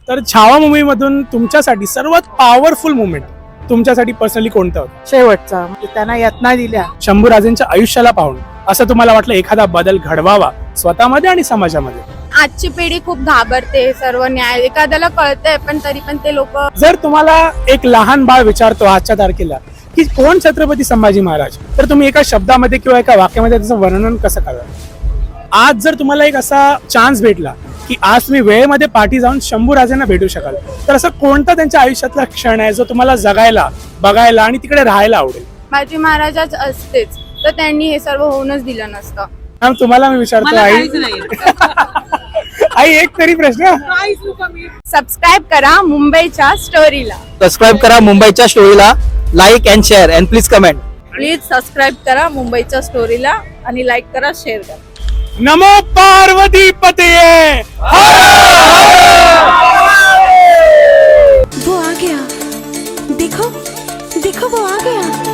तर छावा मूवी मधून तुमच्यासाठी सर्वात पॉवरफुल मुवमेंट तुमच्यासाठी पर्सनली कोणतं होतं? शेवटचा म्हणजे त्यांना यातना दिल्या. शंभूराजेंच्या आयुष्याला पाहून असं तुम्हाला वाटलं एखादा बदल घडवावा स्वतःमध्ये आणि समाजामध्ये? आजची पिढी खूप घाबरते, सर्व न्याय एखाद्याला कळतंय पण तरी पण ते लोक. जर तुम्हाला एक लहान बाळ विचारतो आजच्या तारखेला की कोण छत्रपती संभाजी महाराज, तर तुम्ही एका शब्दामध्ये किंवा एका वाक्यामध्ये त्याचं वर्णन कसं कराल? आज जर तुम्हाला एक असा चान्स भेटला की आज तुम्ही वेळेमध्ये पाठी जाऊन शंभूराजांना भेटू शकाल, तर असं कोणता त्यांच्या आयुष्यातला क्षण आहे जो तुम्हाला जगायला, बघायला आणि तिकडे राहायला आवडेल? शिवाजी महाराजच असतेच तर त्यांनी हे सर्व होऊनच दिलं नसतं. मॅम तुम्हाला मी विचारतो आई आई एक तरी प्रश्न. सबस्क्राईब करा मुंबईच्या स्टोरीला. सबस्क्राईब करा मुंबईच्या स्टोरीला, like and share and please comment. Please subscribe करा मुंबईच्या स्टोरीला आणि लाईक करा, शेअर करा. नमो पार्वती पतये. वो आ गया, देखो देखो वो आ गया.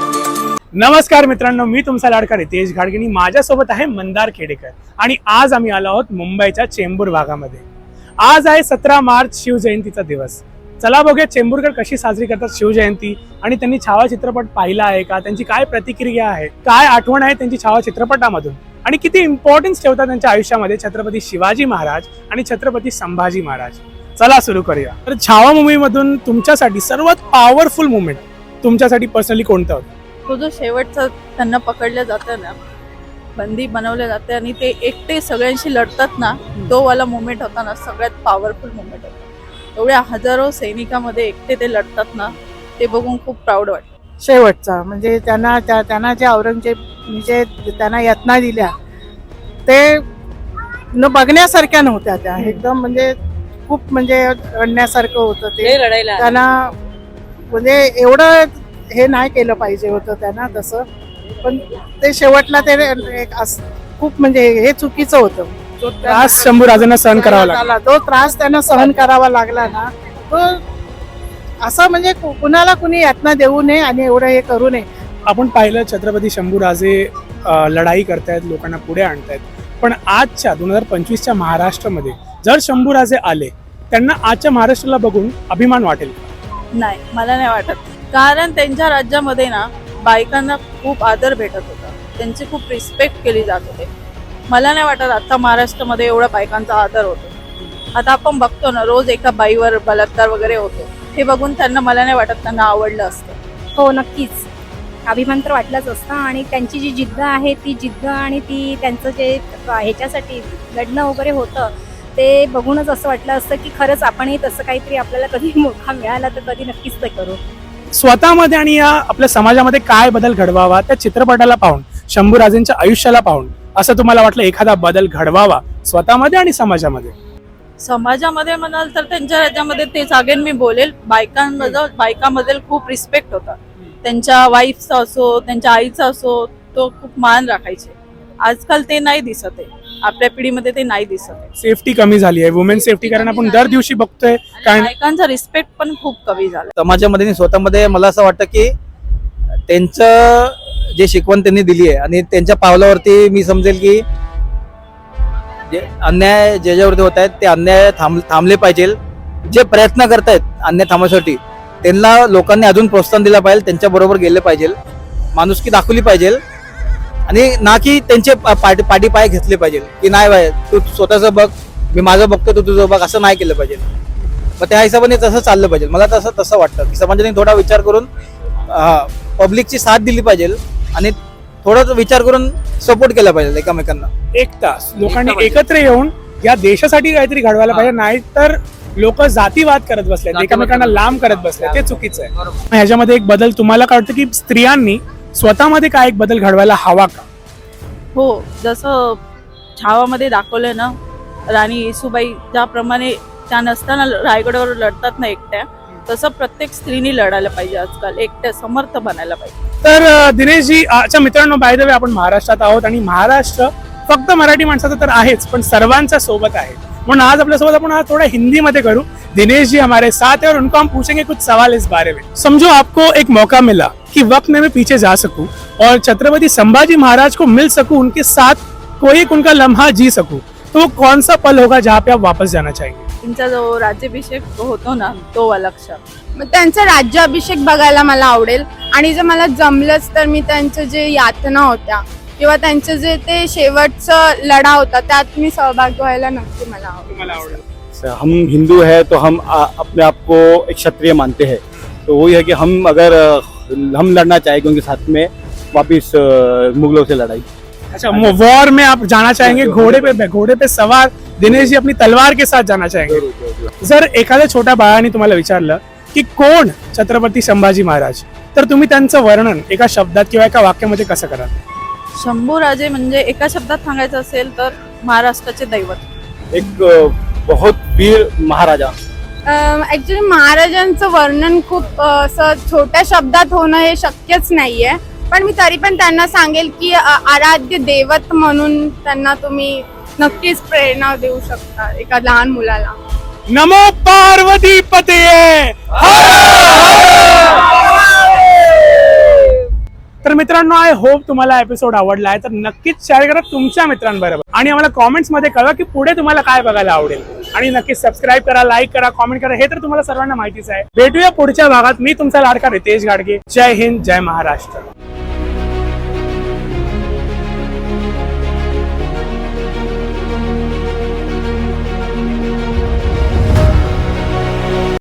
नमस्कार मित्रांनो, मी तुमचा लाडका रितेश घाडगिणी. माझ्यासोबत आहे मंदार खेडेकर आणि आज आम्ही आलो आहोत मुंबईच्या चेंबूर भागामध्ये. आज आहे 17 मार्च, शिवजयंतीचा दिवस. चला बघूया चेंबूरकर कशी साजरी करतात शिवजयंती आणि त्यांनी छावा चित्रपट पाहिला आहे का, त्यांची काय प्रतिक्रिया आहे, काय आठवण आहे त्यांची छावा चित्रपटामधून आणि किती इम्पॉर्टन्स ठेवतात त्यांच्या आयुष्यामध्ये छत्रपती शिवाजी महाराज आणि छत्रपती संभाजी महाराज. चला सुरू करूया. तर छावा मूवी मधून तुमच्यासाठी सर्वात पॉवरफुल मुवमेंट तुमच्यासाठी पर्सनली कोणतं होतं? तो जो शेवटचा त्यांना पकडलं जातं ना, बंदी बनवले जाते आणि ते एकटे सगळ्यांशी लढतात ना, तो वाला मोमेंट होता ना, सगळ्यात पॉवरफुल मोमेंट होता. एवढ्या हजारो सैनिकामध्ये एकटे ते लढतात ना, ते बघून खूप प्राऊड वाटतं. शेवटचा म्हणजे त्यांना जे औरंगजेब म्हणजे त्यांना यातना दिल्या ते न बघण्यासारख्या नव्हत्या. त्या एकदम म्हणजे खूप म्हणजे रडण्यासारखं होतं ते. रडायला त्यांना म्हणजे एवढं हे नाही केलं पाहिजे होतं त्यांना तसं, पण ते शेवटला ते खूप म्हणजे हे चुकीचं होतं. तो त्रास शंभूराजांना सहन करावा लागला. तो त्रास त्यांना सहन करावा लागला ना, तो असं म्हणजे कुणाला कुणी यातना देऊ नये आणि एवढं हे करू नये. आपण पाहिलं छत्रपती शंभूराजे लढाई करतायत, लोकांना पुढे आणतायत, पण आजच्या 2025च्या महाराष्ट्रामध्ये जर शंभूराजे आले, त्यांना आजच्या महाराष्ट्राला बघून अभिमान वाटेल का? नाही, मला नाही वाटत. कारण त्यांच्या राज्यामध्ये ना बायकांना खूप आदर भेटत होता, त्यांची खूप रिस्पेक्ट केली जात होते. मला नाही वाटत आता महाराष्ट्रामध्ये एवढा बायकांचा आदर होतो. आता आपण बघतो ना, रोज एका बाईवर बलात्कार वगैरे होतो. हे बघून त्यांना, मला नाही वाटत त्यांना आवडलं असतं. हो नक्कीच, अभिमान तर वाटलाच असता. आणि त्यांची जी जिद्द आहे ती जिद्द आणि ती त्यांचं जे ह्याच्यासाठी लढणं वगैरे होतं ते बघूनच असं वाटलं असतं की खरंच आपणही तसं काहीतरी आपल्याला कधी मौका मिळाला तर कधी नक्कीच ते करू. स्वतःमध्ये आणि या आपल्या समाजामध्ये काय बदल घडवावा त्या चित्रपटाला पाहून, शंभूराजेंच्या आयुष्याला पाहून असं तुम्हाला वाटलं एखादा बदल घडवावा स्वतःमध्ये आणि समाजामध्ये? समाजामध्ये म्हणाल तर त्यांच्या राज्यामध्ये तेच अगेन मी बोलेल, बायकांबद्दल खूप रिस्पेक्ट होता. त्यांच्या वाईफचा असो, त्यांच्या आईचा असो, तो खूप मान राखायचे. आजकाल ते नाही दिसत आहे, आपल्या पिढीमध्ये ते नाही दिसत आहे. सेफ्टी कमी झाली आहे, वुमेन सेफ्टी, कारण आपण दर दिवशी बघतोय काय बायकांचा रिस्पेक्ट पण खूप कमी झाला समाजामध्ये आणि स्वतःमध्ये. मला असं वाटतं की त्यांचं जे शिकवण त्यांनी दिली आहे आणि त्यांच्या पावलावरती मी समजेल की जे अन्याय ज्याच्यावरती होत आहेत ते अन्याय थांबले पाहिजे. जे प्रयत्न करतायत अन्याय थांबण्यासाठी त्यांना लोकांनी अजून प्रोत्साहन दिलं पाहिजे, त्यांच्या बरोबर गेले पाहिजे, माणुसकी दाखवली पाहिजे आणि ना की त्यांचे पाठी पाय घेतले पाहिजे की नाही बाय तू स्वतःचं बघ, मी माझं बघतो तू तुझं बघ, असं नाही केलं पाहिजे. मग त्या हिशोबाने तसं चाललं पाहिजे. मला तसं वाटतं की समाजाने थोडा विचार करून पब्लिकची साथ दिली पाहिजे आणि थोडा विचार करून सपोर्ट केला पाहिजे एकमेकांना. एक तास लोकांनी एकत्र येऊन या देशासाठी काहीतरी घडवायला पाहिजे, नाही तर लोक जातीवाद करत बसले, एकमेकांना लांब करत बसले, ते चुकीचं आहे. ह्याच्यामध्ये एक बदल तुम्हाला कळतं की स्त्रियांनी स्वतःमध्ये काय एक बदल घडवायला हवा का? हो, जसं छावामध्ये दाखवलंय ना, राणी येसूबाई ज्याप्रमाणे त्या नसताना रायगडावर लढतात ना एकट्या, तसं प्रत्येक स्त्रीने लढायला पाहिजे. आजकाल एकट्या समर्थ बनायला पाहिजे. तर दिनेशजी, अच्छा मित्रांनो, बाय द वे आपण महाराष्ट्रात आहोत आणि महाराष्ट्र फक्त मराठी माणसाचं तर आहेच पण सर्वांच्या सोबत आहे. म्हणून आज आपल्यासोबत आपण आज थोड़ा हिंदी में करूं. दिनेश जी हमारे साथ है और उनको हम पूछेंगे कुछ सवाल इस बारे में. समझो आपको एक मौका मिला कि वक्त में मैं पीछे जा सकूं और छत्रपति संभाजी महाराज को मिल सकूं, उनके साथ कोई एक उनका लम्हा जी सकूं, तो वो कौन सा पल होगा जहाँ पे आप वापस जाना चाहेंगे? त्यांचा जो राज्याभिषेक होतो ना तो वाला क्षण. मग त्यांचा राज्याभिषेक बघायला मला आवडेल आणि जर मला जमलंच तर मी त्यांचं जे यातना होत्या किंवा त्यांचं जे ते शेवटचं लढा होता त्यात मी सहभाग व्हायला नक्की मला आवडेल. तुम्हाला आवडेल? हम हिंदू है तो हम अपने आप को एक क्षत्रिय मानते हैं, तो वही है कि हम अगर हम लड़ना चाहेंगे उनके साथ में वापिस मुगलों से लड़ाई. अच्छा, वॉर में आप जाना चाहेंगे, घोड़े पे सवार दिनेश जी अपनी तलवार के साथ जाना चाहेंगे. जर एखाद्या छोट्या बाळाने तुम्हाला विचारलं की कोण छत्रपती संभाजी महाराज, तर तुम्ही त्यांचं वर्णन एका शब्दात किंवा एका वाक्यामध्ये कसं कराल? शंभूराजे म्हणजे एका शब्दात सांगायचं असेल तर महाराष्ट्राचे दैवत. एक बहुत वीर महाराजा. ऍक्च्युली महाराजांचं वर्णन खूप असं छोट्या शब्दात होणं हे शक्यच नाहीये, पण मी तरी पण त्यांना सांगेल की आराध्य दैवत म्हणून त्यांना तुम्ही नक्कीच प्रेरणा देऊ शकता एका लहान मुलाला. नमो पार्वती पते. तर मित्रांनो, आय होप तुम्हाला एपिसोड आवडला आहे, तर नक्कीच शेअर करा तुमच्या मित्रांबरोबर आणि आम्हाला कॉमेंट्स मध्ये कळवा की पुढे तुम्हाला काय बघायला आवडेल. आणि नक्कीच सबस्क्राईब करा, लाईक करा, कॉमेंट करा, हे तर तुम्हाला सर्वांना माहितीच आहे. भेटूया पुढच्या भागात. मी तुमचा लाडका रितेश घाडगे. जय हिंद, जय महाराष्ट्र.